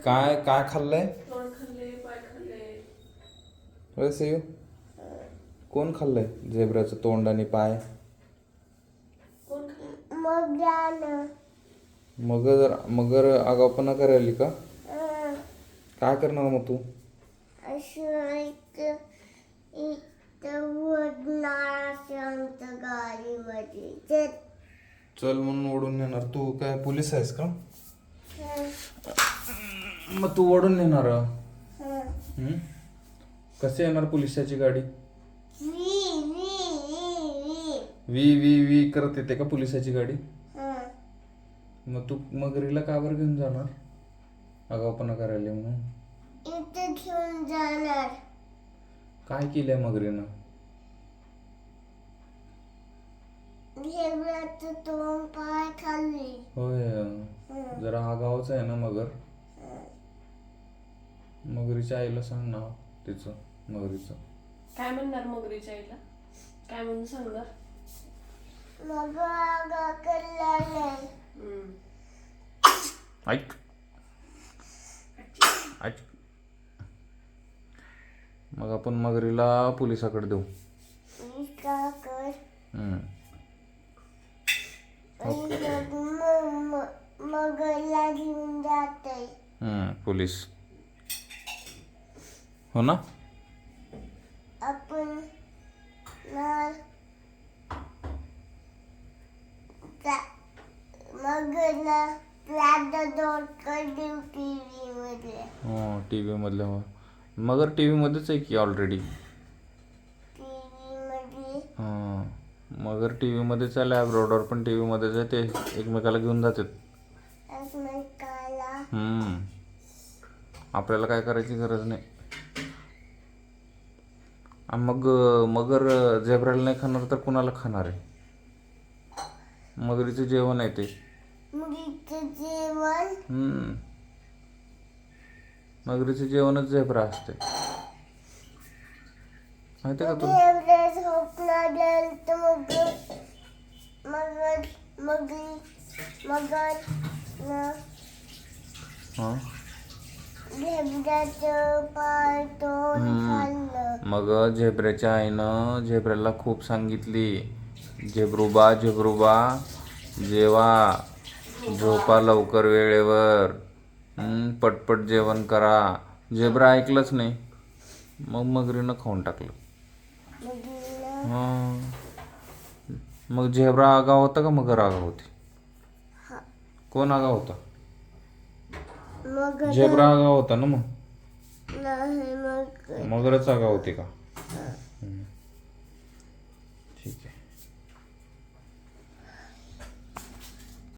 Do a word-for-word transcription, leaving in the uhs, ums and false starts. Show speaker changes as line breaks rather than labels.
काय काय खाल्लंय
तोंड खाल्ले, पाय खाल्ले.
वैसे येऊ कोण खाल्लंय झेब्राचं तोंड आणि पाय?
कोण खाल्ले?
मगरानं.
मगर मगर आगाऊपणा करायली का? काय करणार मग तू?
असं इथं इथं उडणार असं आमच्या गाडीमध्ये. चल.
चल म्हणून ओढून नेणार. तू काय पोलीस आहेस का? मग तू ओढून नेणार? हम्म? कसे येणार पोलिसाची गाडी?
वी वी वी
वी वी वी करत येते का पोलिसाची गाडी?
वी.
मग तू मगरीला का बरं घेऊन जाणार? आगाऊपणा करायला म्हणून.
इथं घेऊन जाणार.
काय केलंय मगरीनं?
झेब्राचं तोंड पाय खाल्ली.
होय, जरा आगाऊच आहे ना मगर. मगरीच्या आईला सांग ना तिचं मगरीचं.
काय म्हणणार मगरीच्या आईला? काय म्हणून सांगणार?
मग आगा करला नाही.
हम्म.
ऐक ऐक मग आपण मगरीला पोलिसाकडे देऊ.
मी का कर?
हम्म.
मग म- म- मगरला घेऊन जाते.
हम्म, पोलीस हो ना.
आपण ना मगरला राधा दोडकर देऊ टीव्ही मध्ये.
हो, टी व्ही मधल्या हो. मगर टी व्ही मध्येच आहे की ऑलरेडी.
टीव्ही मध्ये
हां, मगर टी व्ही मध्येच आहे. लॅब्राडोर पण टी व्ही मध्येच आहे. ते एकमेकाला घेऊन जातात.
एकमेकाला.
हम्म. आपल्याला काय करायची गरज नाही. आणि मग मगर झेब्राला नाही खाणार तर कुणाला खाणार आहे? मगरीचं जेवण आहे ते.
मुलीचं जेवण.
हम्म. मगरीचं जेवणच झेब्रा असते. माहिती आहे का तुला?
झेब्रा झोपणार गेलं तर मग मगर मगरी मगर न
हां.
झेब्राचं पाय तोंड खाल्लं.
मग झेब्राच्या आईनं झेब्राला खूप सांगितली, झेब्रूबा झेब्रूबा जेवा, झोपा लवकर वेळेवर, हम्म, पटपट जेवण करा. झेब्रा ऐकलंच नाही. मग मगरीनं खाऊन टाकलं.
मगरीनं
हां. मग झेब्रा आगाव होता का मगर आगाव होती? कोण आगाव होता?
मगर
झेब्रा आगाव होता ना. मग
नाही मग
मगरच आगाव होती का?